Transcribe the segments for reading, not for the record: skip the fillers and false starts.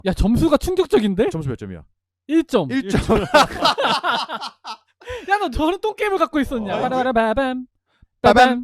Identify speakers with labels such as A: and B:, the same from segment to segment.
A: 야 점수가 충격적인데?
B: 점수 몇 점이야?
A: 1점.
B: 1점.
A: 야 너 저런 똥게임을 갖고 있었냐?
B: 어,
A: 빠라바라바밤
B: 빠밤.
A: 빠밤.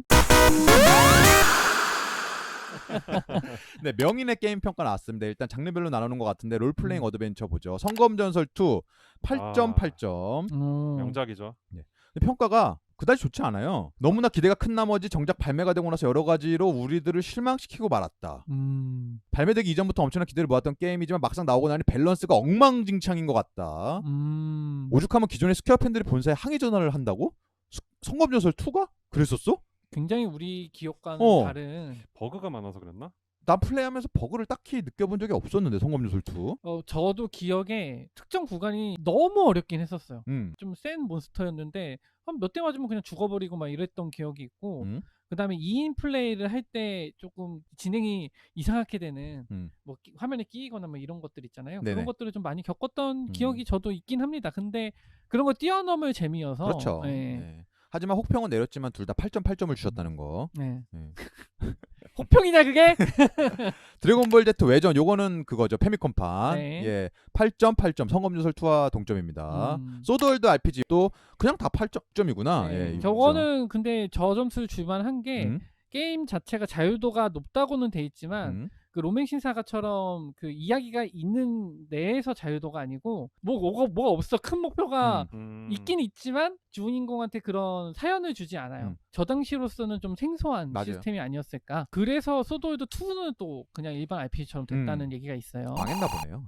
B: 네, 명인의 게임 평가 나왔습니다. 일단 장르별로 나누는 것 같은데 롤플레잉 어드벤처 보죠. 성검전설 2 8점 8점.
C: 명작이죠.
B: 근데 평가가 그다지 좋지 않아요. 너무나 기대가 큰 나머지 정작 발매가 되고 나서 여러 가지로 우리들을 실망시키고 말았다. 발매되기 이전부터 엄청난 기대를 모았던 게임이지만 막상 나오고 나니 밸런스가 엉망진창인 것 같다. 오죽하면 기존의 스퀘어 팬들이 본사에 항의 전화를 한다고? 성검전설 2가? 그랬었어?
A: 굉장히 우리 기억과는 다른.
C: 버그가 많아서 그랬나?
B: 난 플레이하면서 버그를 딱히 느껴본 적이 없었는데 성검전설 2.
A: 저도 기억에 특정 구간이 너무 어렵긴 했었어요. 좀 센 몬스터였는데 한 몇 대 맞으면 그냥 죽어버리고 막 이랬던 기억이 있고, 그다음에 2인 플레이를 할 때 조금 진행이 이상하게 되는 뭐 화면에 끼이거나 뭐 이런 것들 있잖아요.
B: 네네.
A: 그런 것들을 좀 많이 겪었던 기억이 저도 있긴 합니다. 근데 그런 거 뛰어넘을 재미여서.
B: 그렇죠.
A: 네.
B: 네. 하지만 혹평은 내렸지만 둘 다 8점 8점을 주셨다는 거.
A: 네.
B: 네.
A: 혹평이냐 그게?
B: 드래곤볼 Z 외전 요거는 그거죠. 페미컴판.
A: 네.
B: 예. 8점 8점. 성검전설 2와 동점입니다. 소드월드 RPG도 그냥 다 8점이구나.
A: 네.
B: 예,
A: 저거는 근데 저 점수를 줄만한 게 게임 자체가 자유도가 높다고는 돼 있지만 그 로맹 신사가처럼 그 이야기가 있는 내에서 자유도가 아니고 뭐가 없어. 큰 목표가 있긴 있지만 주인공한테 그런 사연을 주지 않아요. 저 당시로서는 좀 생소한
B: 맞아요.
A: 시스템이 아니었을까. 그래서 소드월드 2는 또 그냥 일반 RPG처럼 됐다는 얘기가 있어요.
B: 망했나 보네요.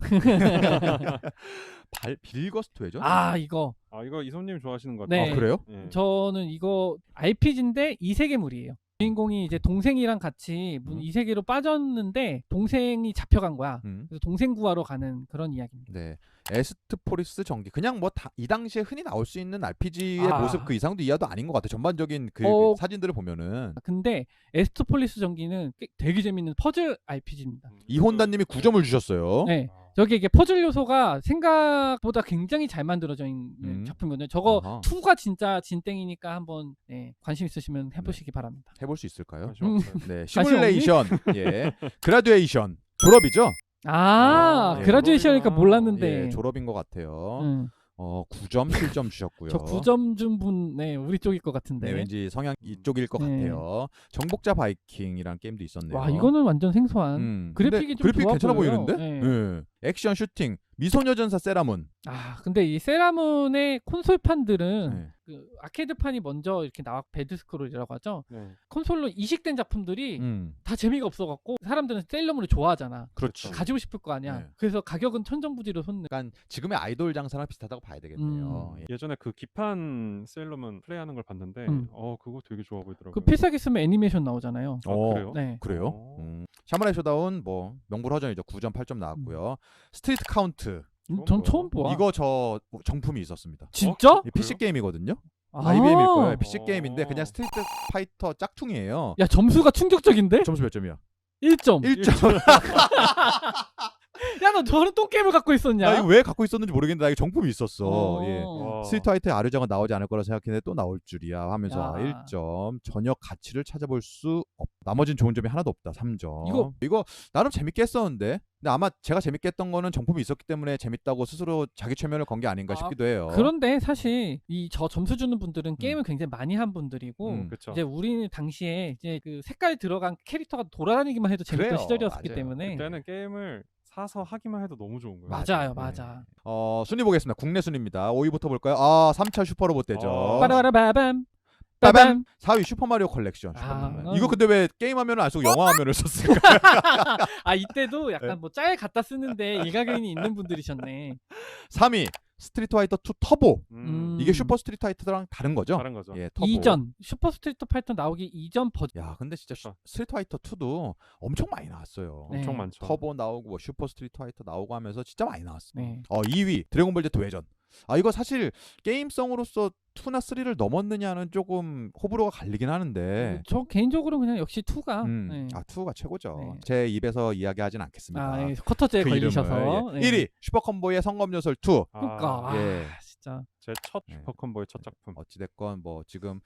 B: 빌거스트 외전?
A: 이거
C: 이거 이솜님 좋아하시는 것
A: 네.
C: 같아요.
B: 그래요?
C: 예.
A: 저는 이거 RPG인데 이세계물이에요. 주인공이 이제 동생이랑 같이 이 세계로 빠졌는데 동생이 잡혀간 거야. 그래서 동생 구하러 가는 그런 이야기입니다.
B: 네. 에스트포리스 전기 그냥 뭐 이 당시에 흔히 나올 수 있는 RPG의 모습 그 이상도 이하도 아닌 것 같아. 전반적인 그 사진들을 보면은.
A: 근데 에스트폴리스 전기는 되게 재밌는 퍼즐 RPG입니다.
B: 이혼다님이 9점을 주셨어요.
A: 네. 저기 이게 퍼즐 요소가 생각보다 굉장히 잘 만들어져 있는 작품이거든요. 저거
B: 아하.
A: 2가 진짜 진땡이니까 한번 관심 있으시면 해보시기 바랍니다.
B: 해볼 수 있을까요?
C: 관심 없어요.
B: 네. 시뮬레이션. 예. 그라듀에이션. 졸업이죠? 예.
A: 그라듀에이션이니까 몰랐는데.
B: 예, 졸업인 것 같아요. 9점 7점 주셨고요.
A: 저 9점 준 분, 우리 쪽일 것 같은데.
B: 네, 왠지 성향 이쪽일 것 같아요. 정복자 바이킹이라는 게임도 있었네요.
A: 와, 이거는 완전 생소한. 그래픽이 좀
B: 그래픽
A: 좋아
B: 괜찮아
A: 보여요.
B: 보이는데? 네. 액션 슈팅, 미소녀전사 세라문.
A: 근데 이 세라문의 콘솔판들은 그 아케이드판이 먼저 이렇게 나와 배드스크롤이라고 하죠. 콘솔로 이식된 작품들이 다 재미가 없어갖고 사람들은 세일러문을 좋아하잖아.
B: 그렇죠.
A: 가지고 싶을 거 아니야.
B: 네.
A: 그래서 가격은 천정부지로 솟는.
B: 약간 지금의 아이돌 장사랑 비슷하다고 봐야 되겠네요. 예.
C: 예전에 그 기판 셀러문 플레이하는 걸 봤는데 그거 되게 좋아 보이더라고요.
A: 그 필살기 쓰면 애니메이션 나오잖아요.
C: 그래요?
A: 네.
B: 그래요? 샤무라이 쇼다운 뭐 명불허전이죠. 9점 8점 나왔고요. 스트리트 카운트.
A: 전 처음 봐.
B: 이거 저 정품이 있었습니다.
A: 진짜?
B: PC 게임이거든요. IBM일 거예요. PC 게임인데 그냥 스트리트 파이터 짝퉁이에요.
A: 야 점수가 충격적인데?
B: 점수 몇 점이야?
A: 1점.
B: 1점.
A: 야 너 저런 똥게임을 갖고 있었냐?
B: 나 이거 왜 갖고 있었는지 모르겠는데 나 이거 정품이 있었어. 예.
C: 와.
B: 스트리트 파이터의 아르장은 나오지 않을 거라 생각했는데 또 나올 줄이야 하면서
A: 야.
B: 1점. 전혀 가치를 찾아볼 수 없다. 나머진 좋은 점이 하나도 없다. 3점. 이거 나름 재밌게 했었는데 근데 아마 제가 재밌게 했던 거는 정품이 있었기 때문에 재밌다고 스스로 자기 최면을 건 게 아닌가 싶기도 해요.
A: 그런데 사실 이 저 점수 주는 분들은 게임을 굉장히 많이 한 분들이고
C: 그쵸.
A: 이제 우리는 당시에 이제 그 색깔 들어간 캐릭터가 돌아다니기만 해도 재밌던
B: 그래요.
A: 시절이었기
B: 맞아요.
A: 때문에
C: 그때는 게임을 사서 하기만 해도 너무 좋은 거예요.
A: 맞아요.
B: 네.
A: 맞아.
B: 순위 보겠습니다. 국내 순위입니다. 5위부터 볼까요? 3차 슈퍼로봇 대전.
A: 빠라바라바밤.
B: 빠밤. 4위 슈퍼마리오 컬렉션. 이거 근데 왜 게임 화면을 안 쓰고 영화 화면을 썼을까?
A: 이때도 약간 뭐 짤 갖다 쓰는데 일가견이 있는 분들이셨네.
B: 3위 스트리트 파이터 2 터보. 이게 슈퍼 스트리트 파이터랑 다른 거죠?
C: 다른 거죠.
B: 예, 터보.
A: 이전 슈퍼 스트리트 파이터 나오기 이전 버전.
B: 야, 근데 진짜 스트리트 파이터 2도 엄청 많이 나왔어요.
A: 네.
C: 엄청 많죠.
B: 터보 나오고 뭐 슈퍼 스트리트 파이터 나오고 하면서 진짜 많이 나왔어.
A: 네.
B: 2위 드래곤볼 Z 외전. 이거 사실 게임성으로서 2나 3를 넘었느냐는 조금 호불호가 갈리긴 하는데
A: 저 개인적으로 그냥 역시 2가
B: 2가 최고죠.
A: 네.
B: 제 입에서 이야기하진 않겠습니다.
A: 커터제에
B: 그
A: 걸리셔서.
B: 이름을. 1위 슈퍼컴보의 성검요설 2.
A: 그러니까
B: 예.
A: 진짜
C: 제 첫 슈퍼컴보의 첫 작품.
B: 어찌됐건 뭐 지금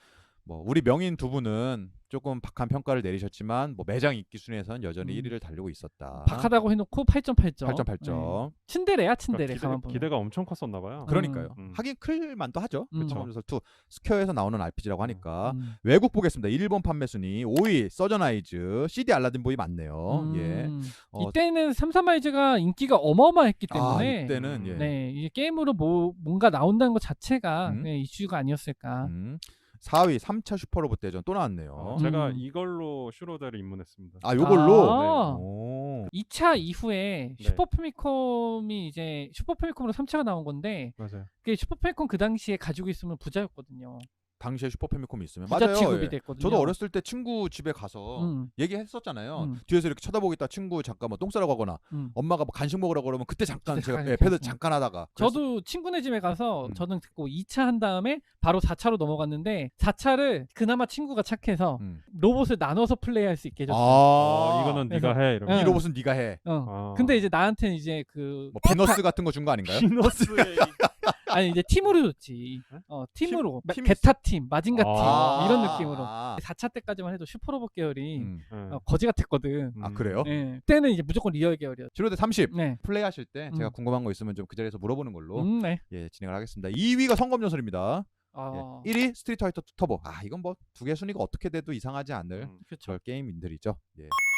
B: 뭐 우리 명인 두 분은 조금 박한 평가를 내리셨지만 뭐 매장 인기 순위에서는 여전히 1위를 달리고 있었다.
A: 박하다고 해놓고 8.8점.
B: 8.8점.
A: 츤데레야 츤데레.
C: 그러니까 기대가 엄청 컸었나 봐요.
B: 그러니까요. 하긴 클만도 하죠.
C: 그렇죠.
B: 그래서 스퀘어에서 나오는 RPG라고 하니까. 외국 보겠습니다. 일본 판매 순위 5위 서전아이즈, CD 알라딘보이 맞네요. 예.
A: 이때는 삼삼아이즈가 인기가 어마어마했기 때문에
B: 이때는 예.
A: 네, 이게 게임으로 뭔가 나온다는 것 자체가 네, 이슈가 아니었을까.
B: 4위 3차 슈퍼로봇 대전 또 나왔네요.
C: 제가 이걸로 슈로데를 입문했습니다.
B: 요걸로?
A: 네. 2차 이후에 슈퍼 패미컴이 이제 슈퍼 패미컴으로 3차가 나온 건데
C: 맞아요.
A: 그 슈퍼 패미컴 그 당시에 가지고 있으면 부자였거든요.
B: 당시에 슈퍼 패미컴이 있으면
A: 부자
B: 맞아요.
A: 취급이
B: 예.
A: 됐거든요.
B: 저도 어렸을 때 친구 집에 가서 얘기했었잖아요. 뒤에서 이렇게 쳐다보겠다 친구 잠깐 뭐 똥 싸러 가거나 엄마가 뭐 간식 먹으라 그러면 그때 잠깐 제가 패드 잠깐 하다가
A: 저도 친구네 집에 가서 저는 듣고 2차 한 다음에 바로 4차로 넘어갔는데 4차를 그나마 친구가 착해서 로봇을 나눠서 플레이할 수 있게 해줬어요.
C: 이거는 네가 해. 이러면.
B: 이 로봇은 네가 해.
A: 근데 이제 나한테는 이제 그
B: 뭐 비너스 같은 거 준 거 아닌가요?
C: 비너스에
A: 아니 이제 팀으로 줬지. 팀으로 게타 팀, 마징가 팀 이런 느낌으로. 4차 때까지만 해도 슈퍼로봇 계열이 거지 같았거든.
B: 그래요?
A: 네. 그때는 이제 무조건 리얼 계열이었죠.
B: 슈로데 30 플레이하실 때 제가 궁금한 거 있으면 좀 그 자리에서 물어보는 걸로 예, 진행을 하겠습니다. 2위가 성검전설입니다. 예, 1위 스트리트 파이터 2 터보. 이건 뭐 두 개 순위가 어떻게 돼도 이상하지 않을 그런 게임들이죠. 예.